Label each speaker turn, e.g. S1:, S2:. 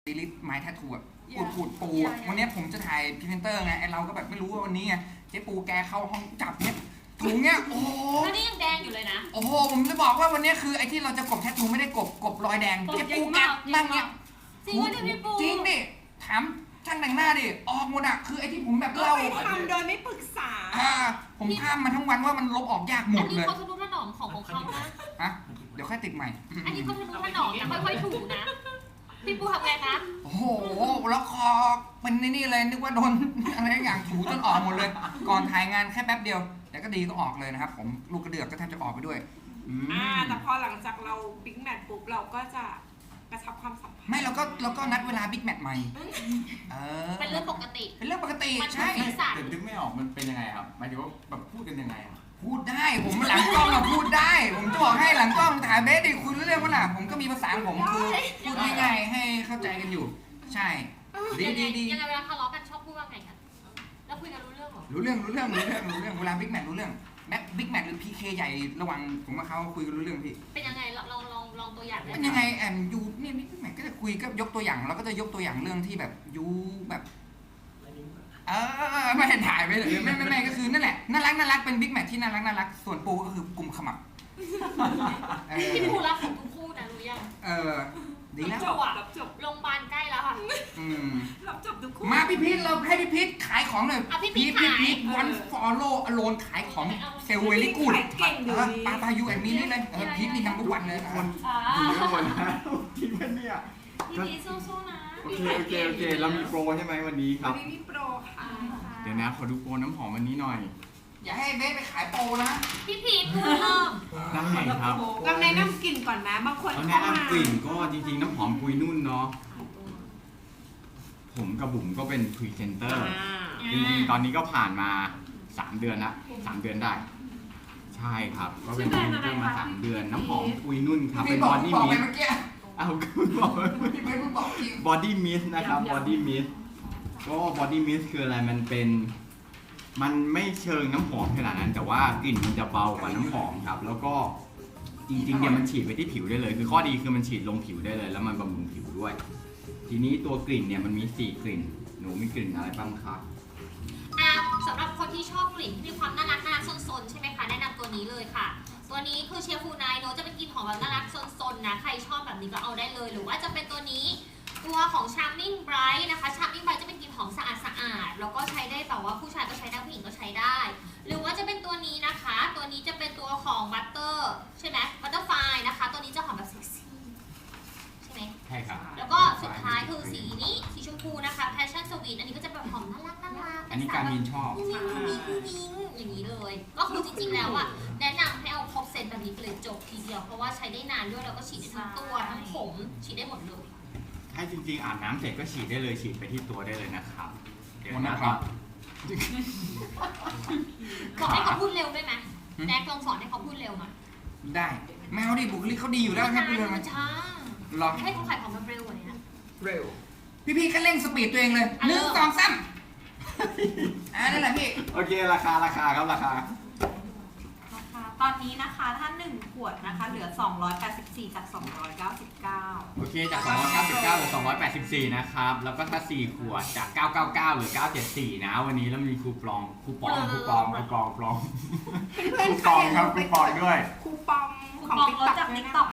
S1: ลิสไม้แทททูอะขูดปูอะวันนี้ผมจะถ่ายพรีเซนเตอร์ไงไอเราก็แบบไม่รู้ว่าวันนี้ไงเจ๊ปูแกเข้าห้องจับเนี่ยถุงเนี่ยโอ้โห
S2: แล้วนี่ยังแดงอยู่เลยนะ
S1: โอ้โหผมจะบอกว่าวันนี้คือไอที่เราจะกบแทททูไม่ได้กบรอยแดงเจ๊ปูแกนั่งเนี่ย
S2: จริงว่าพี่ปู
S1: จริงดิถามช่างแต่งหน้าดิออกหมดอะคือไอที่ผมแบบเล่า
S3: ทำโดยไม่ปรึกษา
S1: ผมข้ามมาทั้งวันว่ามันลบออกยากหมดเลย
S2: อันนี้เขาทะนุถนอมของเขานะ
S1: ฮะเดี๋ยวค่อยติดใหม่
S2: อันนี้เขาทะนุถนอมนะค่อยๆถูนะพี่ปูทำไงคะ
S1: โอ้โหแล้วคอเป็นนี่เลยนึกว่าโดนอะไรอย่างถูจนออกหมดเลยก่อนถ่ายงานแค่แป๊บเดียวแต่ก็ดีก็ออกเลยนะครับผมลูกกระเดือกก็แทบจะออกไปด้วย
S3: แต่พอหลังจากเราบิ๊กแมทปุ๊บเราก็จะกระชับความสัมพันธ์
S1: ไม่เราก็นัดเวลาบิ๊กแมทใหม่
S2: เป็นเรื่องปกติ
S1: เป็นเรื่องปกติใช่
S4: แต่นึกไม่ออกมันเป็นยังไงครับหมายถึงว่าแบบพูดกันยังไง
S1: พูดได้ผมหลังกล้องอะพูดได้ผมจะบอกให้หลังกล้องถ่ายเบสดิคุยเรื่องว่าน่ะผมก็มีภาษาผมคือพูดง่ายๆให้เข้าใจกันอยู่ใช่ดี
S2: ยังไงเวลาทะเลาะกันชอบพูดว่าไงกันแล้วคุยกันรู้เรื่องหรอ
S1: รู้เรื่องเวลาบิ๊กแมทรู้เรื่องแม็กบิ๊กแมทหรือพีเคใหญ่ระวังผมกับเขาคุยกันรู้เรื่องพี่
S2: เป็นยังไงลองตัวอย่าง
S1: เป็นยังไงยูนี่บิ๊กแมทก็จะคุยก็ยกตัวอย่างเราก็จะยกตัวอย่างเรื่องที่แบบยูแบบไม่เห็นถ่ายไปเลยไม่ก็คือนั่นแหละน่ารักเป็นบิ๊กแมทที่น่ารักส่วนปูก็คือกลุ่มขมับ
S2: พี่ปูรักของทุกคู่นะรู้ยัง
S1: ดีแล้ว
S2: จบโรงพยาบาลใกล้แล้วค่ะ
S3: รับจบทุกคู่
S1: มาพี่พีทเราให้พี่พีทขายของหน่อย
S2: พี่
S1: พีทวันฟอลโล่อโลนขายของเซลเวลี่กูดปายูแอนมีนี่เลยพีทนี่นัมเบอร์วันเลย
S4: คนดูเยอะหมดนะคิดว่าเนี่ย
S2: พี่พีทสู้ๆนะ
S4: โอเคเรามีโปรใช่ไหมวันนี้ครับ
S3: วันนี้มีโปรค่ะ
S4: เดี๋ยวนะขอดูโปรน้ำหอมวันนี้หน่อย
S1: อย่าให้เบสไปขายโปรนะ
S2: พี่พีทพูด
S4: ได้ครับ
S3: เราแนะนำกลิ่นก่อนนะบางคน
S4: แนะนำกลิ่นก็จริงๆน้ำหอมปุยนุ่นเนาะผมกับบุ๋มก็เป็นพรีเซนเตอร์จริงๆตอนนี้ก็ผ่านมา3 เดือนละ3 เดือนได้ใช่ครับก็เป็นพรีเซนเตอร์มา3 เดือนน้ำหอมปุยนุ่นครับเป็นบอดี้มิสเอาคุณบอกบอดี้มิสนะครับบอดี้มิสก็บอดี้มิสคืออะไรมันไม่เชิงน้ำหอมขนาดนั้นแต่ว่ากลิ่นมันจะเบากว่าน้ำหอมครับแล้วก็จริงๆเนี่ยมันฉีดไปที่ผิวได้เลยคือข้อดีคือมันฉีดลงผิวได้เลยแล้วมันบำรุงผิวด้วยทีนี้ตัวกลิ่นเนี่ยมันมี4 กลิ่นหนูมีกลิ่นอะไรบ้างครับ
S2: สำหรับคนที่ชอบกลิ่นที่มีความน่ารักซนๆใช่ไหมคะแนะนำตัวนี้เลยค่ะตัวนี้คือเชียร์ฟูไนโนจะเป็นกลิ่นหอมแบบน่ารักซนๆนะใครชอบแบบนี้ก็เอาได้เลยหรือว่าจะเป็นตัวนี้ตัวของ Charming Bright นะคะ Charming Bright จะเป็นกลิ่นหอมสะอาดแล้วก็ใช้ได้แบบว่าผู้ชายก็ใช้ได้ผู้หญิงก็ใช้ได้หรือว่าจะเป็นตัวนี้นะคะตัวนี้จะเป็นตัวของ Butter ใช่ไหม Butterfly นะคะตัวนี้จะหอมแบบเซ็กซี่ใช่ไหม
S4: ใช่ครับ
S2: แล้วก็สุดท้ายคือสีนี้สีชมพูนะคะ Passion Sweet อันนี้ก็จะแบบหอมน่ารัก
S4: อันนี้การมินชอบ
S2: อย่างนี้เลยก็คือจริงๆแล้วอ่ะแนะนำให้เอาครบเซตแบบนี้เลยจบทีเดียวเพราะว่าใช้ได้นานด้วยแล้วก็ฉีดได้ทั้งตัวทั้งผมฉีดได้หมดเลย
S4: ให้จริงๆอาบน้ำเสร็จก็ฉีดได้เลยฉีดไปที่ตัวได้เลยนะครับ
S1: เดี๋ยวนะครับ
S2: บอกให้เขาพูดเร็วได้ไหมแน็กลองสอนให้เขาพูดเร็วมา
S1: ได้แมวดิบุคลิกเขาดีอยู่แล้วครับเร็ว
S2: มันช้า
S1: ลอง
S2: ให้เขาขายของแบบเร็วกว่านี้
S1: เร็วพี่ก็เร่งสปีดตัวเองเลย1 2 3นั่นแหละพี่
S4: โอเคราคาครับราคา
S3: ตอนนี้นะคะถ้า1 ขวดนะคะเหลือ284จาก299
S4: โอเคจาก299เหลือ284นะครับแล้วก็ถ้า4 ขวดจาก999เหรือ974นะวันนี้แล้วมีคูปองครับคูปองด้วย
S3: คูปองของ TikTok